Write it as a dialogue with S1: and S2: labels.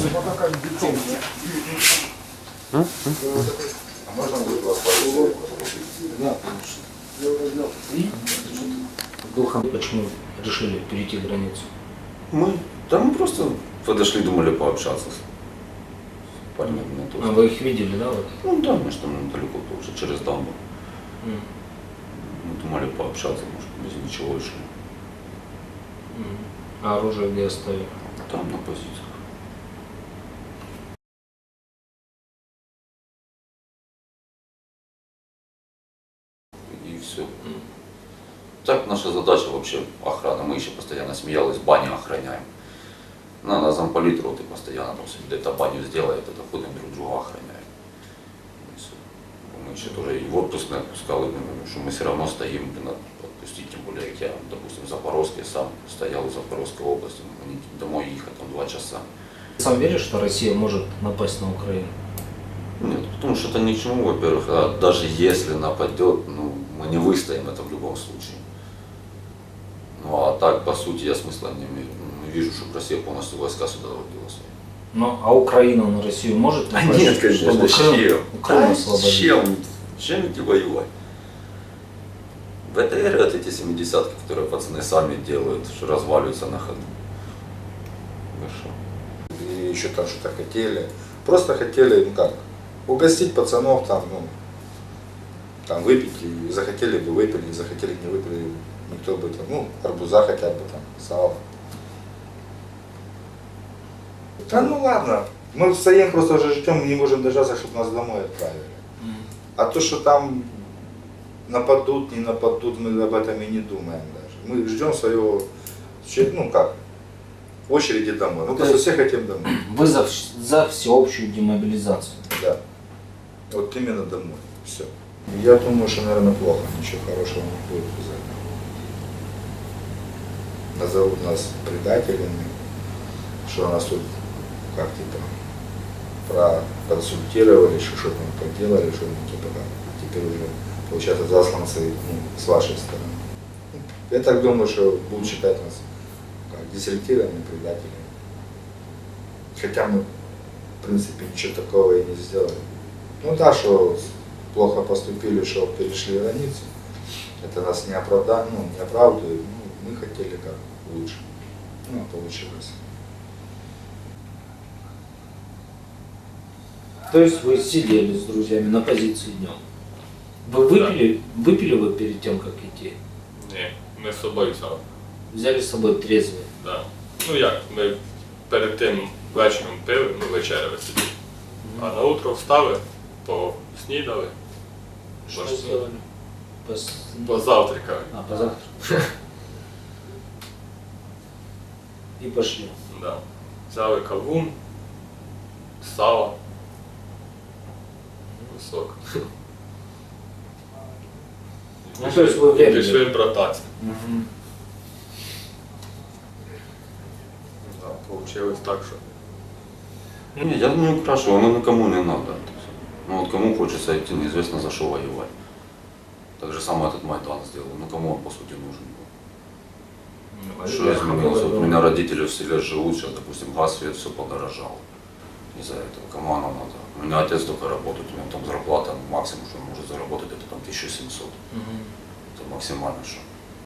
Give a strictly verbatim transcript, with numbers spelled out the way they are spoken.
S1: А можно будет вас позвать? Да, конечно.
S2: Духом почему решили перейти границу?
S1: Мы, да мы просто подошли, думали пообщаться с парнями.
S2: А вы их видели, да? Вот?
S1: Ну да, мы же там недалеко тоже, через дамбу.
S2: Mm.
S1: Мы думали пообщаться, может, без ничего решили.
S2: Mm. А оружие где оставили?
S1: Там на позициях. И все.
S2: Mm.
S1: Так наша задача вообще охрана. Мы еще постоянно смеялись, баню охраняем. На, на замполит роты постоянно там где-то баню сделает, это ходим друг друга охраняем. И всё. Мы еще тоже и в отпуск не отпускали, что мы все равно стоим, блин, отпустить, тем более, как я, допустим, в Запорожске сам стоял в Запорожской области, мне домой ехать там два часа.
S2: Сам веришь, что Россия может напасть на Украину?
S1: Нет, потому что это ни к чему, во-первых, а даже если нападет, ну, мы не выстоим это в любом случае. Ну а так, по сути, я смысла не, не вижу, чтобы Россия полностью войска сюда вводила свои.
S2: Ну, а Украина на Россию может
S1: А
S2: напасть?
S1: нет, конечно,
S2: чтобы
S1: чем?
S2: Крым, Крым
S1: А
S2: освободить?
S1: чем? Чем идти воевать? В этой эре вот эти семидесятки, которые пацаны сами делают, что разваливаются на ходу. Ну что?
S3: И еще там что-то хотели. Просто хотели, ну как, угостить пацанов там, ну, там выпить, и захотели бы выпили, не захотели не выпили, никто бы там, ну, арбуза хотя бы там, сало. Да ну ладно, мы стоим просто уже ждем, не можем дождаться, чтобы нас домой отправили.
S2: Mm.
S3: А то, что там нападут, не нападут, мы об этом и не думаем даже. Мы ждем своего, ну как, очереди домой. Мы просто все хотим домой.
S2: Вы за, вс- за всеобщую демобилизацию.
S3: Да. Вот именно домой. Все. Я думаю, что, наверное, плохо. Ничего хорошего не будет из этого. Назовут нас предателями, что нас тут как типа проконсультировали, что что-то мы поделали, что мы типа как, теперь уже получается засланцы, ну, с вашей стороны. Я так думаю, что будут считать нас как дезертирами, предателями. Хотя мы, в принципе, ничего такого и не сделали. Ну да, что плохо поступили, что перешли границу. Это нас не оправдает, ну, не оправдывает. Ну, мы хотели как лучше. Ну, а получилось.
S2: То есть вы сидели с друзьями на позиции днем. Вы выпили, выпили вы перед тем, как идти?
S4: Ні, ми з собою саме.
S2: Взяли с собой трезвые?
S4: Да. Ну як, ми перед тим вечором пили, ну вечеряли собі. А на утро встали, поснідали,
S2: Что
S4: Может,
S2: сделали? Пос...
S4: позавтракали.
S2: А, позавтракали. И пошли.
S4: Да. Взяли кавун, сало, сок.
S2: Ну, то есть вы
S4: І
S2: время.
S4: пішли брататися.
S2: Мгм.
S4: Да, получилось так, що.
S1: Нет, я не украшиваю, оно никому не надо. Ну вот кому хочется идти, неизвестно за что воевать. Так же самое этот Майдан сделал, ну кому он по сути нужен был. Что изменилось? Вот у меня родители в селе живут, сейчас, допустим, газ, свет, все подорожало. Из-за этого. Кому оно надо? У меня отец только работает, у него там зарплата максимум, что он может заработать, это там тысяча семьсот.
S2: Мгм.
S1: Это максимально что.